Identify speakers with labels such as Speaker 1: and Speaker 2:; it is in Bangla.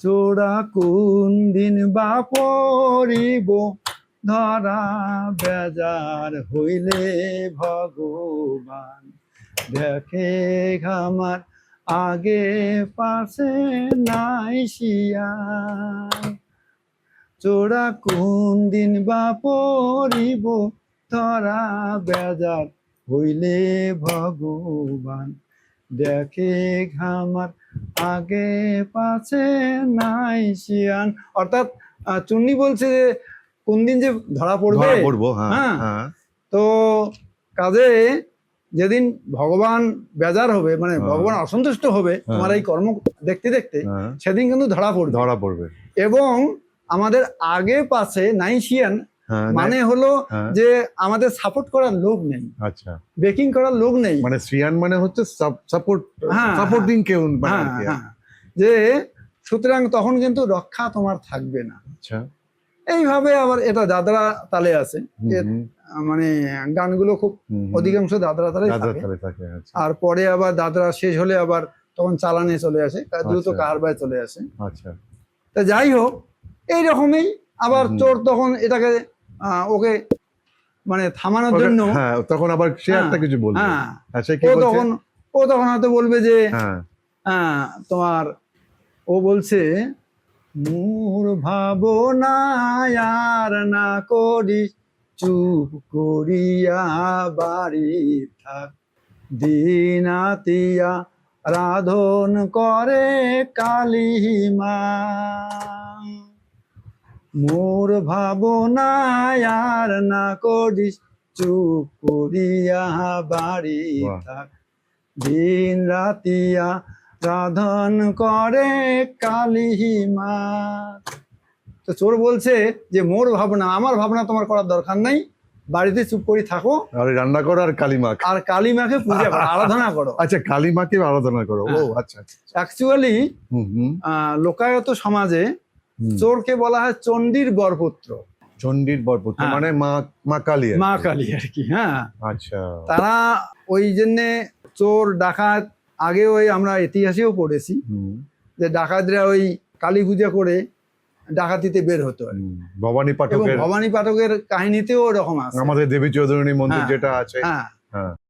Speaker 1: চোরা কোন দিন বা পড়িব ধরা বেজার হইলে ভগবান দেখে আমার আগে পাশে নাই শিয়ান। চোরা কোন দিন বা পড়িব ধরা বেজার হইলে ভগবান দেখে আমার আগে পাশে নাই শিয়ান। অর্থাৎ চুন্নি বলছে যে কোন দিন যে ধরা পড়বে, হ্যাঁ, তো কাজে যেদিন ভগবান বেজার হবে, মানে ভগবান অসন্তুষ্ট হবে তোমার এই কর্ম দেখতে দেখতে, সেদিন কিন্তু ধরা পড়বে। এবং আমাদের আগে পাশে নাই শিয়ান মানে হলো যে আমাদের সাপোর্ট করার লোক নেই, আচ্ছা, বেকিং করার লোক নেই, মানে সিয়ান মানে হচ্ছে সাপোর্টিং কেউ, যে সুতরাং তখন কিন্তু রক্ষা তোমার থাকবে না। আচ্ছা, এইভাবে আবার এটা দাদরা তালে আছে, মানে গানগুলো খুব অধিকাংশ দাদরা তালে থাকে। আর পরে আবার দাদরা শেষ হলে আবার তখন চালানে চলে আসে, দ্রুত কারবায় চলে আসে। আচ্ছা, তা যাই হোক, এইরকমই আবার চোর তখন এটাকে ওকে মানে থামানোর জন্য তখন আবার সে একটা কিছু বলবে, ও তখন হয়তো বলবে যে তোমার, ও বলছে মোর ভাবনা আর না করিস, চুপ করিয়া বাড়ি থাক, দিনাতিয়া রাধন করে কালী মা। মোর ভাবনা আর না করিস, চুপ করিয়া বাড়ি থাক, দিন রাতিয়া রাধন করে কালী মা। তো চোর বলছে যে মোর ভাবনা, আমার ভাবনা তোমার করার দরকার নাই, বাড়িতে চুপ করে থাকো, আর রান্না করো, আর কালী মাকে পূজা করো, আরাধনা করো। আচ্ছা, কালী মাকে আরাধনা করো। ও আচ্ছা, অ্যাকচুয়ালি লোকায়ত সমাজে চোরকে বলা হয় চণ্ডীর বরপুত্র। চণ্ডীর বরপুত্র মানে মা কালী, মা কালী আর কি। হ্যাঁ, আচ্ছা, তারা ওই জন্যে চোর ডাকাত, আগে ওই আমরা ইতিহাসেও পড়েছি যে ডাকাতরা ওই কালী পূজা করে ডাকাতিতে বের হতো। ভবানী পাঠকের কাহিনীতেও ওরকম আছে, আমাদের দেবী চৌধুরানী মন্দির যেটা আছে। হ্যাঁ,